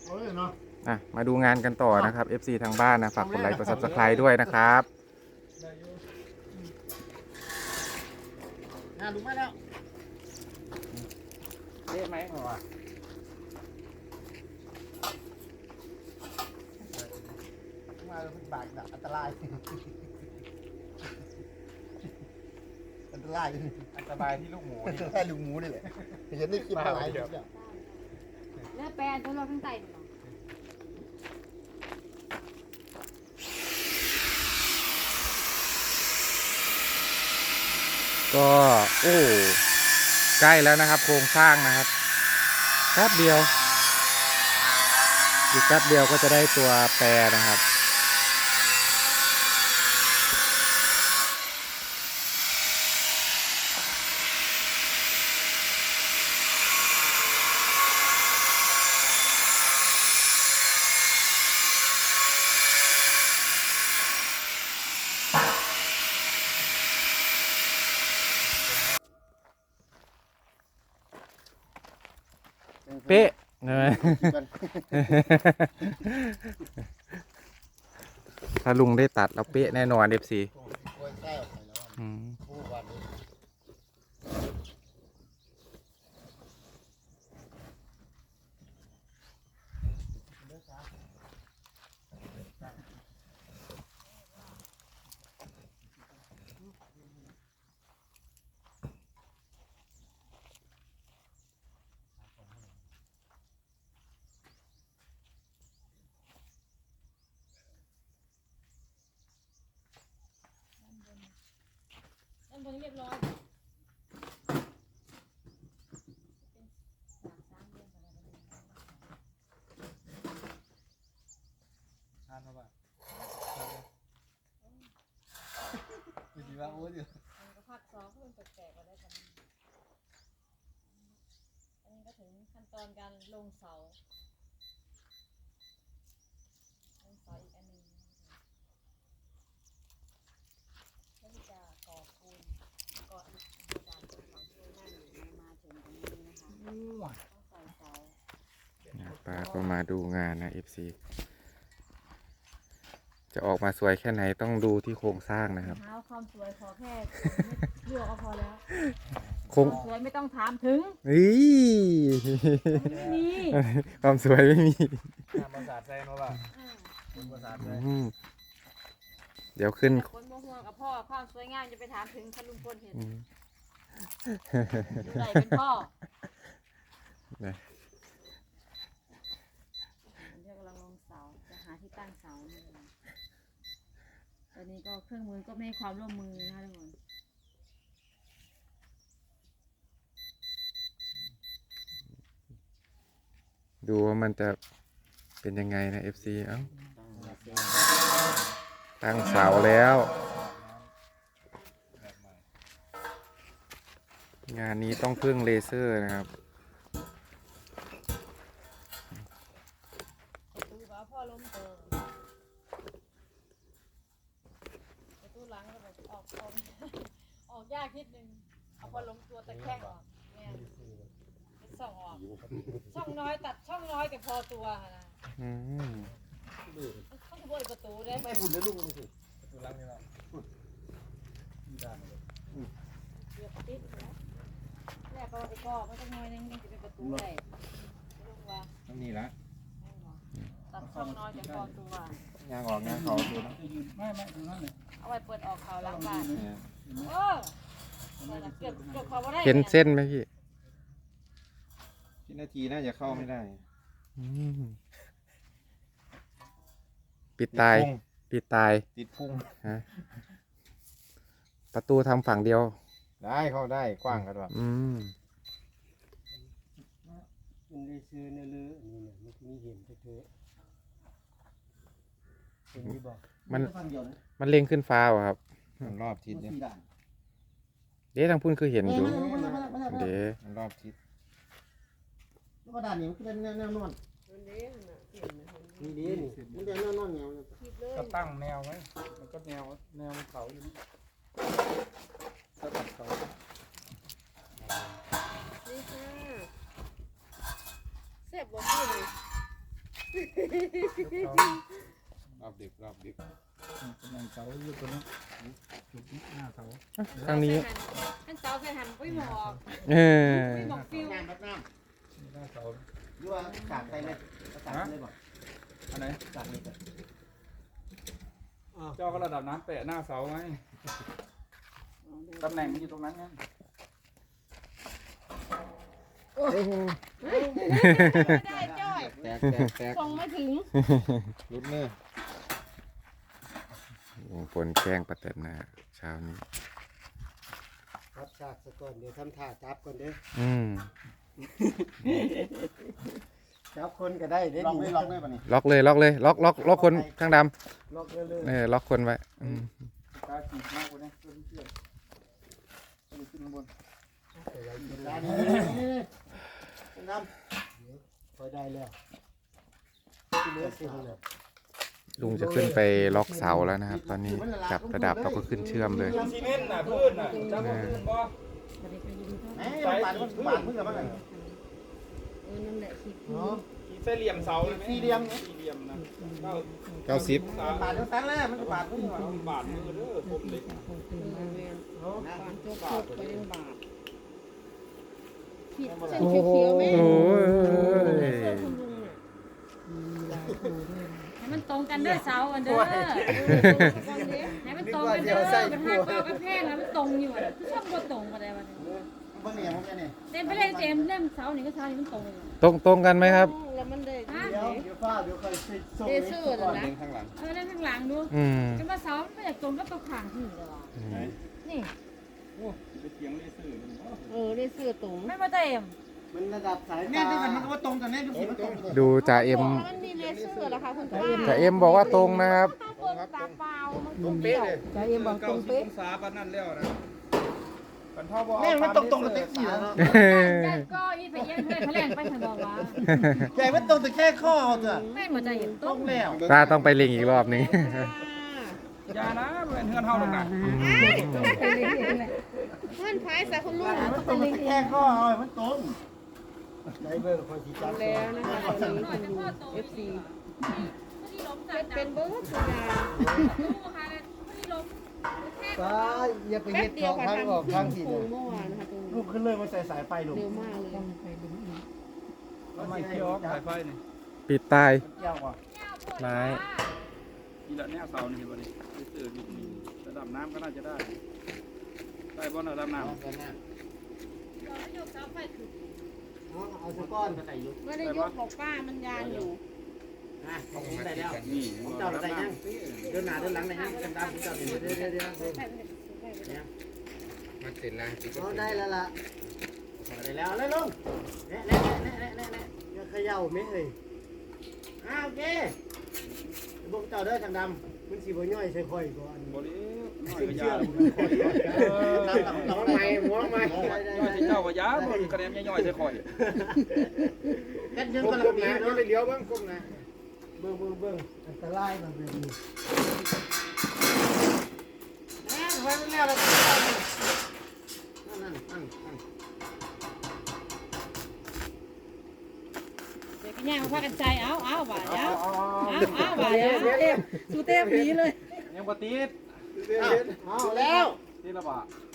มาดูงานกันต่อนะครับ FC ทางบ้านนะฝากกดไลค์กด Subscribe ด้วยนะครับดูมาแล้วเละไหมหัวมาเป็นบาดแบบอันตรายอันตรายอันตรายที่ลูกหมูนี่แค่ลูกหมูนี่แหละเห็นได้คลิปอะไรเดี๋ยวเลือดแปรตัวเราข้างใต้หรอก็โอ้ใกล้แล้วนะครับโครงสร้างนะครับแป๊บเดียวอีกแป๊บเดียวก็จะได้ตัวแปรนะครับเป๊ะถ้าลุงได้ตัดแล้วเป๊ะแน่นอน FC ด้านบนเรียบร้อยทานมาบ้างดีว่าโอ้ยมันก็พักซ้อมเพื่อนแปลกๆมาได้กันอันนี้ก็ถึงขั้นตอนการลงเสาอีกอันนึงเพื่อที่จะก่อปูนก่ออิฐจากตรงเขาช่วยนั่งอยู่มาถึงตรงนี้นะคะต้องใส่เสาป้าก็มาดูงานนะ FC จะออกมาสวยแค่ไหนต้องดูที่โครงสร้างนะครับหาความสวยขอแค่เลือกก็พอแล้วคงสวยไม่ต้องถามถึงไม่มีความสวยไม่มีภาษาใจมาบ้างภาษาใจเดี๋ยวขึ้นคนโมโหกับพ่อความสวยงามจะไปถามถึงท่านลุงพลเห็นใส่เป็นพ่อเดี๋ยวกำลังลงเสาจะหาที่ตั้งเสาตอนนี้ก็เครื่องมือก็ไม่ให้ความร่วมมือนะคะทุกคนดูว่ามันจะเป็นยังไงนะ FC เอ้าตั้งเสาแล้วงานนี้ต้องพึ่งเลเซอร์นะครับประตูบ้าพ่อล้มเติมประตูหลังก็แบบออกยากนิดนึงเอาพอล้มตัวตะแคงออกเนี่ยส่องออกช่องน้อยตัดช่องน้อยแต่พอตัวนะต้องบนประตูได้ไม่หุ่นเลยลูกมันสิประตูลังนี่ละเกือบติดแล้วแรกก็ไปก่อมันต้องน้อยนึงจะเป็นประตูได้ลงว่าต้องนี่ละตัดช่องน้อยแต่พอตัวยางออกงานเขาดูนะไม่ดูนั่นเลยเอาไว้เปิดออกเขาล้างบ้านเกือบเขาว่าได้เห็นเส้นไหมพี่ที่นาทีน่าจะเข้าไม่ได้ปิดตายติดพุงประตูทำฝั่งเดียวได้เข้าได้กว้างกันว่ะมันได้ซื้อเนื้อเลือนี่เนี่ยมันมีเห็นเถอะมันเล็งขึ้นฟ้าครับรอบทิศเนี่ยเดี๋ยวทางพุ่นคือเห็นอยู่เดี๋ยวรอบทิศแล้วก็ด้านนี้มันเป็นแนวนอนนี่ดีนี่มันเป็นแนวนอนแนวก็ตั้งแนวไว้มันก็แนวเขาอยู่นี่สลับเขานี่ค่ะเสียบบ่พี่เลยรอบดึกรอบดึกกำลังเสาอยู่ตัวนี้จุดหน้าเสาทางนี้ท่านเสาใส่หันปุ้ยหมอกเออปุ้ยหมอกฟิวน้ำรับน้นี่หน้าเสาำยั่วกากไปเลยกากเลยบอกอันไหนกากเลยจ้ะเจ้าก็ระดับน้ำแปะหน้าเสาไงตำแหน่งมันอยู่ตรงนั้นไงไม่ได้จ้อยแตกส่งไม่ถึงรุดเนื้อลุงพลแกล้งประเต็มนะเช้านี้รับฉากซะก่อนเดี๋ยวทำท่าจับก่อนเด้ออืมจับคนก็ได้เด้ล็อกเลยป่ะนี่ล็อกเลยล็อกเลยล็อกคนข้างดล็อกเลยำล็อกคนไว้อืมกาจีบมากกว่านี้เพื่อนเพื่อนขึ้นข้างบนนี่น้ำพอได้แล้วที่เหลือสิเลยลุงจะขึ้นไปล็อกเสาแล้วนะครับ ตอนนี้จับระดับเราก็ขึ้นเชื่อมเลยซีเมนต์น่ะพื้นน่ะจ้าพื้นบ่แหมบาดเพิ่งกับมันนั่นแหละคิดเนาะสี่เหลี่ยมเสาเลยไหมสี่เหลี่ยมสี่เหลี่ยมนะ 90 บาดเท่านั้นแหละมันก็บาดเพิ่งบาทมือเด้อผมเล็กนะปานโจกไปเล่นบาทขีดเส้นเขียวๆไหมโอ้ยเสื้อคุณลุงเนี่ยให้มันตรงกันเด้อเสาอันเด้อให้มันตรงกันเด้อมันหักเบากระแพงแล้วมันตรงอยู่อ่ะชอบบ่ตรงอะไรวะเบิ่งเนี่ยผมเนี่ยเต็มไปเลยเต็มเล่มเสานี่ก็เสานี่มันตรงเลยตรงกันไหมครับแล้วมันได้ฮะเดี๋ยวฟ้าเดี๋ยวค่อยส่งเดซื่อเลยนะข้างหลังเล่นข้างหลังดูอืมจะมาเสาไม่อยากตรงก็ตัวข้างที่เลยวะนี่โอ้ไปเถียงเลเซอร์มันได้เสื้อตรงไม่มาเต็มมันระดับสายแม่ดูกันมันก็ว่าตรงกันแน่ดูสิมันตรงดูจ่าเอ็มมันมีเลเซอร์เหรอคะคุณป้าจ่าเอ็มบอกว่าตรงนะครับต้องเปิดตาเปล่ามันตรงเป๊ะเลยใจเย็นบอกตรงเป๊ะองศาปานนั่นแล้วนะมันเท่าบ่แม่มันตรงกับเต็กซี่แล้วเนาะใจก็อีไปเยี่ยมเพื่อนเขาแล่นไปถึงบอกว่าใหญ่มันตรงแต่แค่ข้อเอาเถอะไม่เหมือนใจเย็นตต้รองงแล้วตาต้องไปเล็งอีกรอบนึงอย่านะเป็นเฮือนเฮาหรอกนะเพื่อนพายใส่คุณลุงมันตรงแต่แค่ข้อเอามันตรงได้เบอร์คนที่จับแล้วนะคะตอนนี้คุณลุง FC เป็นเบอร์ทุกอย่างฟ้าอย่าไปเฮ็ดสองครั้งออกครั้งทีเดียวเมื่อวานนะคะตรงลูกขึ้นเลยมาใส่สายไฟลงเร็วมากเลยทำไมเคี้ยวสายไฟนี่ปิดตายเกี่ยวกว่าไม้นี่ละแนวเสานี่เห็นบ่นี่เลเซอร์นี่ระดับน้ำก็น่าจะได้ได้บ่ระดับน้ำเอาสก้อนมาใส่ยุกไม่ได้ยกหรอกป้ามันยานอยู่ของผมได้แล้วนี่ผมเจ้าได้ยังเดินหน้าเดินหลังได้ยังกันตามผมเจ้าเดี๋ยวมันเสร็จแล้วอ๋อได้แล้วล่ะได้แล้วเลยลุงเน่อย่าเขย่าไม่เอ้ยโอเคบุกเจ้าเด้อทางดำมันสีบ่ย่อยใส่ข่อยก่อนบ่ได้น้อยเชื่ก็อยาน้ำใหม่หัวใหม่ย่อยสิเจ้าก็ยาบ่คะแนนย่อยๆใส่ข่อยกันยังกำลังดีเนาะไปเลี้ยวบ้างก้มนะเบิ่งอันตรายมันเป็นดีแม่ไว้ไม่แล้วแล้วนั่นเดี๋ยวพี่ย่ามาพากันใจเอาบ่ายเอาบ่ายสูเทพผีเลยยังบ่ติดเอาแล้วติดแล้วบ่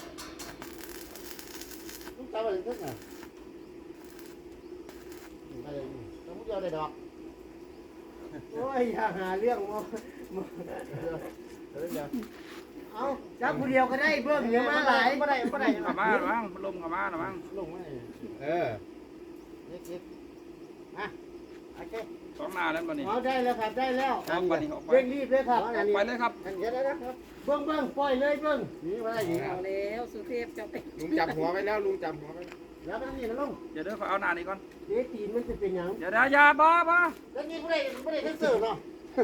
ลูกตาเป็นทึกน่ะต้องเดียวได้ดอกโอ้ยอย่าหาเรื่องมาเอาจับผู้เดียวก็ได้เบิ่งเดี๋ยวมาหลายบ่ได้เข้ามาละมั้งลมเข้ามาละมั้งลงมาเล็กมาโอเคสองหน้าแล้วบ่นี่เอาได้แล้วครับได้แล้วออกไปนี่ออกไปเร่งรีบเลยครับออกไปเลยครับอันเดี๋ยวนะครับเบิ้งปล่อยเลยเบิ้งนี่มาได้ยิงเอาแล้วสุเทพจะไปลุงจับหัวไว้แล้วลุงจับหัวไว้แล้วมันนี่นะลุงเดี๋ยวเด้อขอเอาหน้านี่ก่อนเดี๋ยวตีนมันจะเป็นหยังเดี๋ยวอย่าบ่แล้วนี่ไม่ได้ทั้งเสิร์ฟเนาะ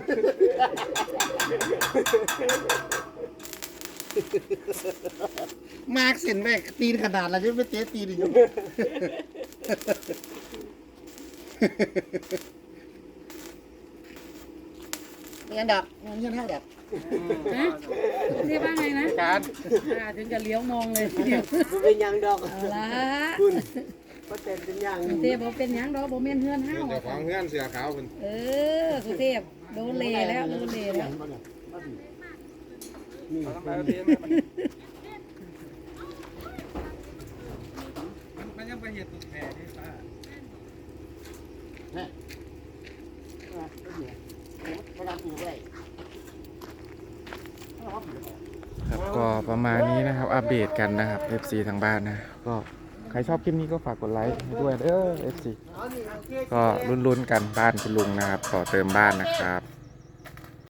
มาร์กเส้นแม่ตีนขนาดเราจะไม่เตะตีนอยู่เงี้ยดักเงี้ยเท่าดักสุเทพว่าไงนะการถึงจะเลี้ยวมองเลยทีเดียวมันเป็นยังดอกเอาละคุณก็เต็มเป็นอย่างกรุงเทพบ่เป็นหยังดอกบ่แม่นเฮือนเฮาเจ้าของเงื่อนเสือขาวเพิ่นกรุงเทพโดนเลแล้วโดนเลแล้วนี่เอาทั้งหลายเอาเทมาบัดนี้มันยังไปเห็ดตุกแผ่ที่ป้าเวลาปลูกไว้ครับก็ประมาณนี้นะครับ อัปเดตกันนะครับ FC ทางบ้านนะ ก็ใครชอบคลิปนี้ก็ฝากกดไลค์ให้ด้วยFC ก็ลุ้นๆกันบ้านคุณลุงนะครับต่อเติมบ้านนะครับ